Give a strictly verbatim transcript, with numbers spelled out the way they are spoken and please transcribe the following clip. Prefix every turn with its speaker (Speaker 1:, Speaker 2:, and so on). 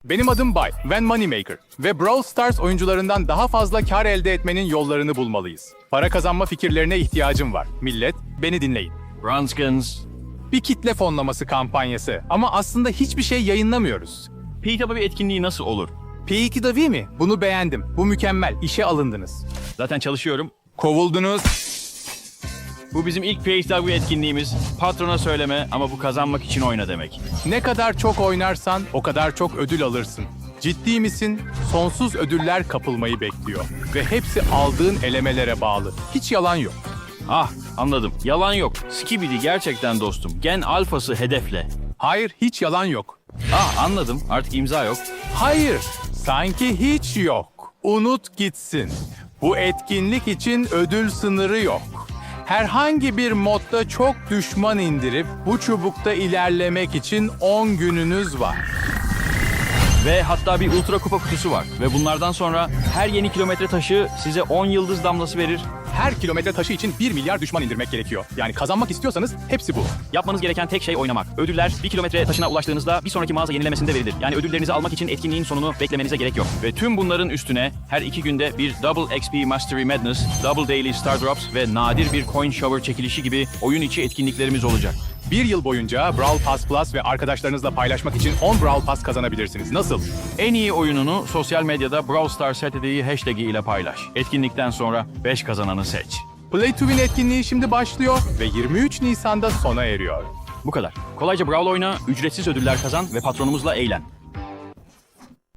Speaker 1: Benim adım Bay, Van Moneymaker ve Brawl Stars oyuncularından daha fazla kar elde etmenin yollarını bulmalıyız. Para kazanma fikirlerine ihtiyacım var. Millet, beni dinleyin.
Speaker 2: Bronskins.
Speaker 1: Bir kitle fonlaması kampanyası ama aslında hiçbir şey yayınlamıyoruz.
Speaker 2: P W etkinliği nasıl olur?
Speaker 1: P iki W mi? Bunu beğendim. Bu mükemmel. İşe alındınız.
Speaker 2: Zaten çalışıyorum.
Speaker 1: Kovuldunuz.
Speaker 2: Bu bizim ilk P W etkinliğimiz. Patrona söyleme ama bu kazanmak için oyna demek.
Speaker 1: Ne kadar çok oynarsan o kadar çok ödül alırsın. Ciddi misin? Sonsuz ödüller kapılmayı bekliyor. Ve hepsi aldığın elemelere bağlı. Hiç yalan yok.
Speaker 2: Ah, anladım. Yalan yok. Skibidi gerçekten dostum. Gen alfası hedefle.
Speaker 1: Hayır, hiç yalan yok.
Speaker 2: Ah, anladım. Artık imza yok.
Speaker 1: Hayır, sanki hiç yok. Unut gitsin. Bu etkinlik için ödül sınırı yok. Herhangi bir modda çok düşman indirip bu çubukta ilerlemek için on gününüz var.
Speaker 2: Ve hatta bir ultra kupa kutusu var. Ve bunlardan sonra her yeni kilometre taşı size on yıldız damlası verir.
Speaker 1: Her kilometre taşı için bir milyar düşman indirmek gerekiyor. Yani kazanmak istiyorsanız hepsi bu.
Speaker 2: Yapmanız gereken tek şey oynamak. Ödüller bir kilometre taşına ulaştığınızda bir sonraki mağaza yenilemesinde verilir. Yani ödüllerinizi almak için etkinliğin sonunu beklemenize gerek yok. Ve tüm bunların üstüne her iki günde bir Double X P Mastery Madness, Double Daily Star Drops ve nadir bir Coin Shower çekilişi gibi oyun içi etkinliklerimiz olacak.
Speaker 1: Bir yıl boyunca Brawl Pass Plus ve arkadaşlarınızla paylaşmak için on Brawl Pass kazanabilirsiniz. Nasıl?
Speaker 2: En iyi oyununu sosyal medyada Brawl Stars Saturday'i hashtag'i ile paylaş. Etkinlikten sonra beş kazananı seç.
Speaker 1: Play to Win etkinliği şimdi başlıyor ve yirmi üç Nisan'da sona eriyor.
Speaker 2: Bu kadar. Kolayca Brawl oyna, ücretsiz ödüller kazan ve patronumuzla eğlen.